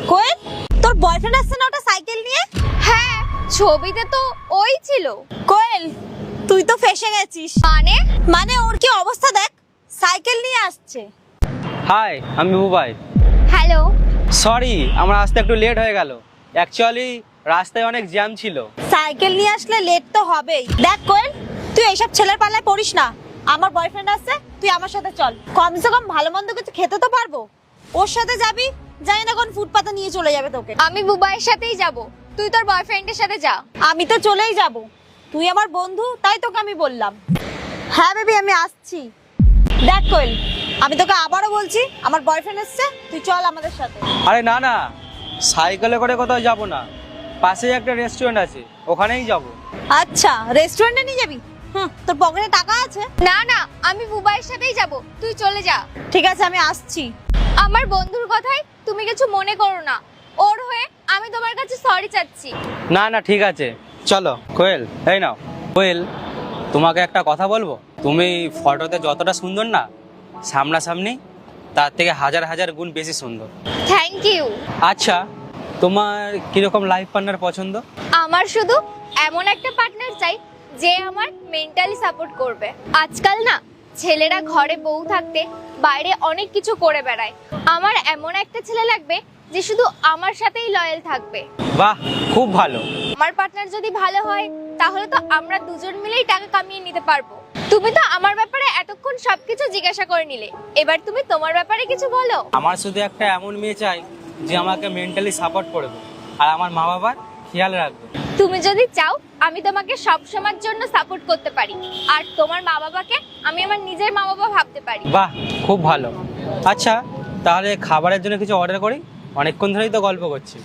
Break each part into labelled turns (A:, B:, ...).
A: কোয়েল, তোর বয়ফ্রেন্ড আসছে না ওটা সাইকেল নিয়ে?
B: হ্যাঁ, ছবিতে তো ওই ছিল।
A: কোয়েল, তুই তো ফেসে গেছিস। মানে ওর কি অবস্থা দেখ, সাইকেল নিয়ে আসছে।
C: হাই, আমি বুবাই।
B: হ্যালো।
C: সরি, আমার আসতে একটু লেট হয়ে গেল। অ্যাকচুয়ালি রাস্তায় অনেক জ্যাম ছিল।
A: সাইকেল নিয়ে আসলে লেট তো হবেই। দেখ কোয়েল, তুই এইসব ছেলের পাল্লায় পড়িস না। আমার বয়ফ্রেন্ড আসছে, তুই আমার সাথে চল। কমসে কম ভালো মন্দ কিছু খেতে তো পারবো। ওর সাথে যাবি, জানি না কোন ফুটপাতে নিয়ে চলে যাবে তোকে।
B: আমি বুবাইয়ের সাথেই যাব, তুই তোর বয়ফ্রেন্ডের সাথে যা।
A: আমি তো চলেই যাব, তুই আমার বন্ধু তাই তোকে আমি বললাম। হ্যাঁ বেবি, আমি আসছি। দেখ কোয়েল, আমি তোকে আবারও বলছি, আমার বয়ফ্রেন্ড এসছে, তুই চল আমাদের সাথে।
C: আরে না না, সাইকেলে করে কোথাও যাব না। পাশেই একটা রেস্টুরেন্ট আছে, ওখানেই যাব।
A: আচ্ছা, রেস্টুরেন্টে নিয়ে যাবি? তোর পকেটে টাকা আছে?
B: না না, আমি বুবাইয়ের সাথেই যাব, তুই চলে যা।
A: ঠিক আছে, আমি আসছি।
B: আমার বন্ধুর কথাই তুমি কিছু মনে করো না, ওর হয়ে আমি তোমার কাছে সরি চাচ্ছি।
C: না না, ঠিক আছে, চলো। কোয়েল, এই নাও। কোয়েল, তোমাকে একটা কথা বলবো। তুমি ফটোতে যতটা সুন্দর না, সামনাসামনি তার থেকে হাজার হাজার গুণ বেশি সুন্দর।
B: Thank you.
C: আচ্ছা, তোমার কিরকম লাইফ পার্টনার পছন্দ?
B: আমার শুধু এমন একটা পার্টনার চাই যে আমার মেন্টালি সাপোর্ট করবে। আজকাল না ছেলেরা ঘরে বউ থাকতে বাইরে অনেক কিছু করে বেড়ায়। আমার এমন একটা ছেলে লাগবে যে শুধু আমার সাথেই লয়াল থাকবে।
C: বাহ, খুব ভালো।
B: আমার পার্টনার যদি ভালো হয় তাহলে তো আমরা দুজন মিলেই টাকা কামিয়ে নিতে পারবো। তুমি তো আমার ব্যাপারে এতক্ষণ সবকিছু জিজ্ঞাসা করে নিলে, এবার তুমি তোমার ব্যাপারে কিছু বলো।
C: আমার শুধু একটা এমন মেয়ে চাই যে আমাকে মেন্টালি সাপোর্ট করবে আর আমার মা বাবার খেয়াল রাখবে।
B: তুমি যদি চাও আমি তোমাকে সব সময়ের জন্য সাপোর্ট করতে পারি, আর তোমার মা বাবাকে আমি আমার নিজের মা বাবা ভাবতে পারি।
C: বাহ, খুব ভালো। আচ্ছা, তাহলে খাবারের জন্য কিছু অর্ডার করি, অনেকক্ষণ ধরেই তো গল্প করছি।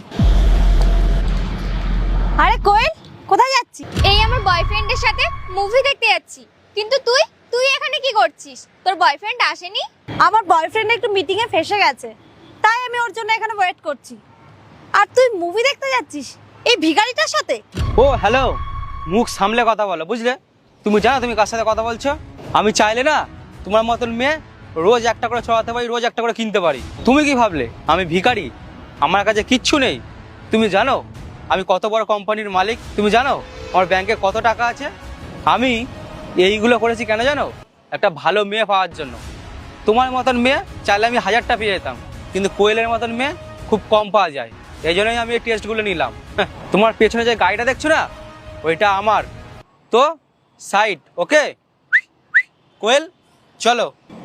A: আরে কোয়েল, কোথায় যাচ্ছি?
B: এই আমার বয়ফ্রেন্ডের সাথে মুভি দেখতে যাচ্ছি। কিন্তু তুই তুই এখানে কি করছিস? তোর বয়ফ্রেন্ড আসেনি?
A: আমার বয়ফ্রেন্ড একটু মিটিং এ ফেসে গেছে, তাই আমি ওর জন্য এখানে ওয়েট করছি। আর তুই মুভি দেখতে যাচ্ছিস এই ভিখারিটার সাথে?
C: ও হ্যালো, মুখ সামলে কথা বলো, বুঝলে? তুমি জানো তুমি কার সাথে কথা বলছো? আমি চাইলে না তোমার মতন মেয়ে রোজ একটা করে চড়াতে পারি, রোজ একটা করে কিনতে পারি। তুমি কি ভাবলে আমি ভিখারি? আমার কাছে কিচ্ছু নেই। তুমি জানো আমি কত বড় কোম্পানির মালিক? তুমি জানো আমার ব্যাংকে কত টাকা আছে? আমি এইগুলো করেছি কেন জানো? একটা ভালো মেয়ে পাওয়ার জন্য। তোমার মতন মেয়ে চাইলে আমি 1000টা পেয়ে যেতাম, কিন্তু কোয়েলের মতন মেয়ে খুব কম পাওয়া যায়। এই জন্যই আমি এই টেস্টগুলো নিলাম। তোমার পেছনে যে গাড়িটা দেখছো না, ওইটা আমার। তো সাইড, ওকে? কোয়েল, চলো।